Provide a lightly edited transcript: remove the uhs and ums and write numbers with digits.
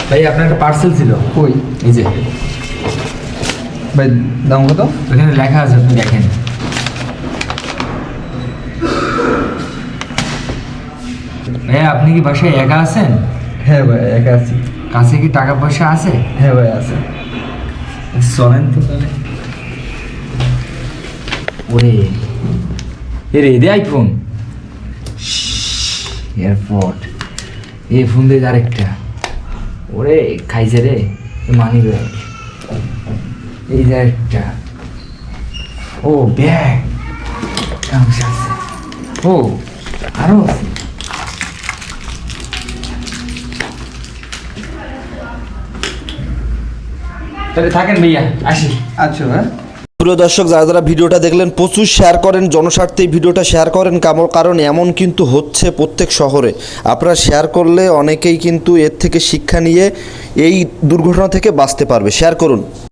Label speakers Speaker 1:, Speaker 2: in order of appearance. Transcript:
Speaker 1: ভাই আপনার একটা পার্সেল ছিল।
Speaker 2: কই
Speaker 1: এই যে
Speaker 2: ভাই, দাম কত?
Speaker 1: ওখানে লেখা আছে, আপনি দেখেন। ভাইয়া আপনি কি বাসায় একা আছেন?
Speaker 2: হ্যাঁ ভাই, একা আছি।
Speaker 1: কাছে কি টাকা পয়সা আছে?
Speaker 2: হ্যাঁ ভাই, আছে।
Speaker 1: চলেন তো তাহলে। ওরে এরে দে আইফোন এয়ারপোর্ট, এই ফোন দিয়ে আরেকটা। ওরে খাইছে রে মানি ব্যাগ, এই যে একটা। ও ব্যাগ আছে, ও আরো আছে। তাহলে থাকেন ভাইয়া, আসি।
Speaker 2: আচ্ছা ভাই।
Speaker 3: প্রিয় দর্শক, যারা যারা ভিডিওটা দেখলেন প্রচুর শেয়ার করেন, জনস্বার্থে এই ভিডিওটা শেয়ার করেন, কারণ এমন কিন্তু হচ্ছে প্রত্যেক শহরে। আপনারা শেয়ার করলে অনেকেই কিন্তু এর থেকে শিক্ষা নিয়ে এই দুর্ঘটনা থেকে বাঁচতে পারবে। শেয়ার করুন।